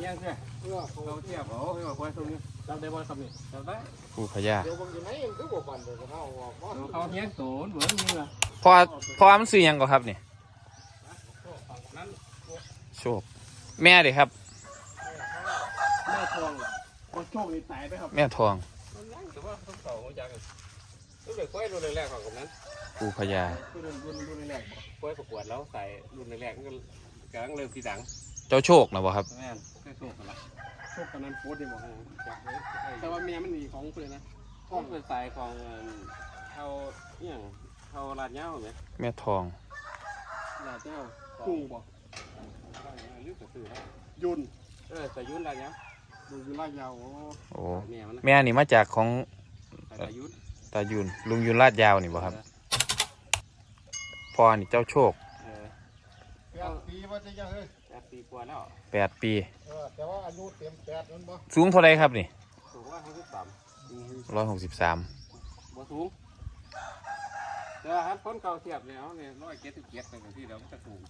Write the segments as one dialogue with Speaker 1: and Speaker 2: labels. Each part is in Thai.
Speaker 1: งี้ยใช่เราเทียบเขาไม่บอกว่าตรงนี้จำได้บ่ครับนี่จำได้
Speaker 2: ผู้พญา
Speaker 1: เขาเงี้ยโสนเหมือนนี่ล่ะ
Speaker 2: พอมันซื้อยังก่อนครับนี่โชคแม่เด็ครับ
Speaker 1: แม่ทองคนโชคดีตายไปครับ
Speaker 2: แม่ทอง
Speaker 1: แต่ว่าต้องเก่าของจังรุ่นเด็กค่อยรุ่นแรกของผมนั้น
Speaker 2: ผู้พญา
Speaker 1: รุ่นแรกค่อยประกวดแล้วใส่รุ่นแรกก็กำลังเริ่มทีดัง
Speaker 2: เจ้าโชคนะบ่ครับ
Speaker 1: แม่ค่อยโชคกันละโชคกันนั้นโพสได้บอกแต่ว่าเมียมันหนีของเลยนะห้องเป็นสายของเขาอย่างเขาลาดเงาไหม
Speaker 2: แม่ทอง
Speaker 1: ลาดเงาคู่บอกยุนแต่ยุนลาดเงายุนลาดเงา
Speaker 2: โอ้แม่นี่มาจากของตายุนลุงยุนลาดยาวนี่บ่ครับพ่อนี่เจ้าโชค
Speaker 1: 8 ปีว่าจะยังเฮ้ย8 ปีกว่าแล้ว
Speaker 2: 8 ปี
Speaker 1: แต่ว่าอายุเต็ม8นั่นบ่
Speaker 2: สูงเท่าไรครับนี่
Speaker 1: สูง
Speaker 2: 163
Speaker 1: บ่สูงแต่ว่าคนเก่าเทียบเนี่ย177เป็นที่เราจะสูง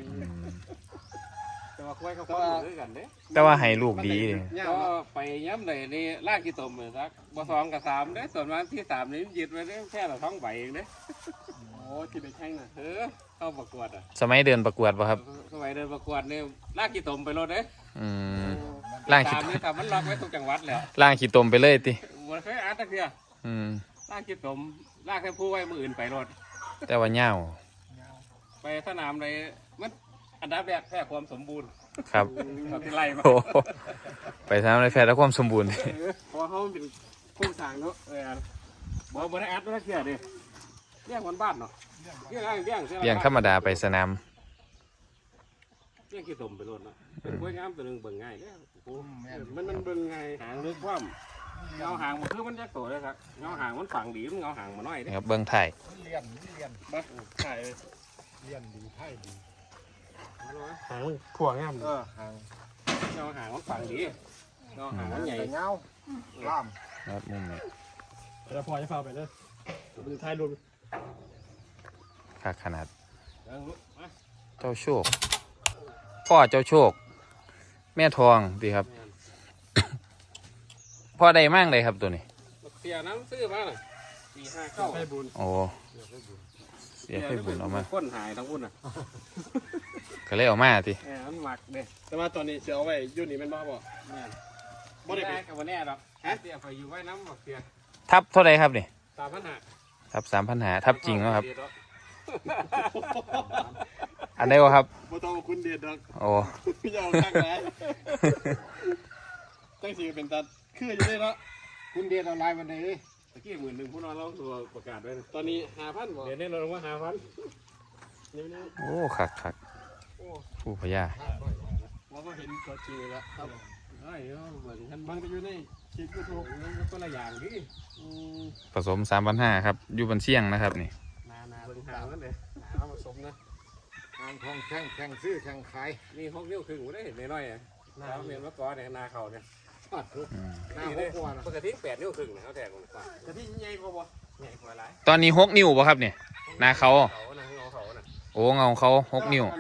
Speaker 1: แต่ว่าคุยเขาคนด้วยกันเด้
Speaker 2: แต่ว่าให้ลูกดี
Speaker 1: ก็ไปย้ำเลยนี่ลากกี่ตมเลยสักบ่2 กับ 3เด้ส่วนวันที่3นี่ยึดไว้ได้แค่ละท้องใบเองเด้โอ้ที่ไปแข่งน่ะเข้าประกวดอ่ะ
Speaker 2: สมัยเดินประกวดป่ะครับ
Speaker 1: สมัยเดินประกวดเนี่ยลากกี่ตมไปรถเด้
Speaker 2: ล่างขี้
Speaker 1: ตมนี่ทำมันล็อกไว้ทุกจังหวัดแล้ว
Speaker 2: ล่างขี้ตมไปเลยติ
Speaker 1: มันเคยอ่านตะเกียลากกี่ตมลากแค่ผู้ไว้มืออื่นไปรถ
Speaker 2: แต่ว่าเงา
Speaker 1: ไปสนามเลยมันอันดับแรกแค่ความสมบูรณ์
Speaker 2: ครับ
Speaker 1: ที่ไล่มา
Speaker 2: ไปทำอะไรแฟร์แล้วความสมบูรณ์
Speaker 1: เพราะเขาเป็นผู้สร้างเนาะบอกได้อัดตะเกียดิเลี้ยงคนบ้านเนาะเ
Speaker 2: ลี้ยงธรรมดาไปสนาม
Speaker 1: เลี้ยงขี้ตมไปรถเนาะเป็นกล้วยงามตัวนึงเบิ่งง่ายเนี่ยมันเบิ่งง่ายหางลึกความเงาหางมันคือมันแยกตัวเลยครับเงาหางมันฝังดีมันเงาหางมันน้อย
Speaker 2: ครับเบิ่งไทย
Speaker 1: เลียนบ้าไทยเลียนดีไทยดีหางถั่วงามหางเงาหางมันฝังดีเงาหางมันใหญ่เงาล่าม
Speaker 2: ครับมุมนี้
Speaker 1: แล้วพอจะพาไปเลยดูไทยรวม
Speaker 2: ขนาดเจ้าโชคพ่อเจ้าโชคแม่ทองดีครับพ่อใดมั่งเลยครับตัวนี้
Speaker 1: เสียน้ำซื้อมาเลย4-5เข้าให้บุญ
Speaker 2: โอ้เสียให้บุญออกมา
Speaker 1: ก้นหายทั้งบุญอ่ะ
Speaker 2: ก็เลยออกมาที
Speaker 1: มันหมักเด้แต่ว่าตอนนี้เสียเอาไว้ยุ่นนี่มันบ้าบ่บ่ได้กับวันนี้หรอกเสียไปอยู่ไว้น้ำหมักเสีย
Speaker 2: ทับเท่าไรครับนี่
Speaker 1: 3,500
Speaker 2: ทับ3,500ทับจริงแล้วครับอันไหนวะครับ
Speaker 1: บ่ต้องคุณเด็ดดอก
Speaker 2: โอ้
Speaker 1: ยาวตั้งไหนตั้งสีเป็นตัดคืออยู่ได้แล้วคุณเด็ดเอาลายมันเลยตะกี้10,000ผู้นอนเราตัวประกาศไว้ตอนนี้5,000บ่เดี๋ยวนี้เราลงว่า5,000
Speaker 2: โอ้คักผู้พญา
Speaker 1: เราก็เห็นตัวจริงแล้วครับเฮ้ยเหมือนกันบางก็อยู่ในคลิปยูทูบก็ละอย่างดิ
Speaker 2: ผสม3,500ครับอยู่บนเสี่ยงนะครับนี่
Speaker 1: นาเบิ่งหางนั่นเลยนาผสมนะ
Speaker 3: ทางทองแข่งซื้อแข่งขาย
Speaker 1: นี่6 นิ้วครึ่งได้เห็นน้อยๆนาเมียนมะกอเนี่ยนาเขาเนี่ย
Speaker 3: นา6 กว่า
Speaker 1: ปกติ8 นิ้วครึ่งนะเขาแทงกันกว่ากะทิใหญ่กว่าบ่ใหญ่กว่าหลาย
Speaker 2: ตอนนี้6 นิ้วป่ะครับเนี่ยนาเขาโอ้เงาเขา6 นิ้ว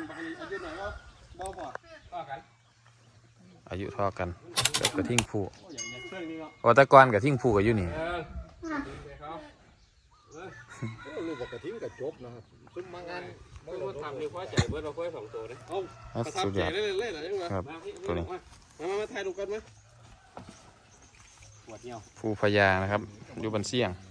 Speaker 2: อายุเท่ากันกับกระทิ่งผู้วัตกรกับทิ่งผู้กับอยู่นี่
Speaker 3: ลูกกระทิ่งกับจบนะครับซุ้มมางาน
Speaker 1: มาทำมีควายใจเบิร์ดเราควาย2 ตัวเลย
Speaker 2: ประทับใจ
Speaker 1: เล่นๆอะไร
Speaker 2: ครับตัวนี้
Speaker 1: มาถ่ายรูปกันไหมปวดเงี้ยว
Speaker 2: ผู้พญานะครับอยู่บนเสี่ยง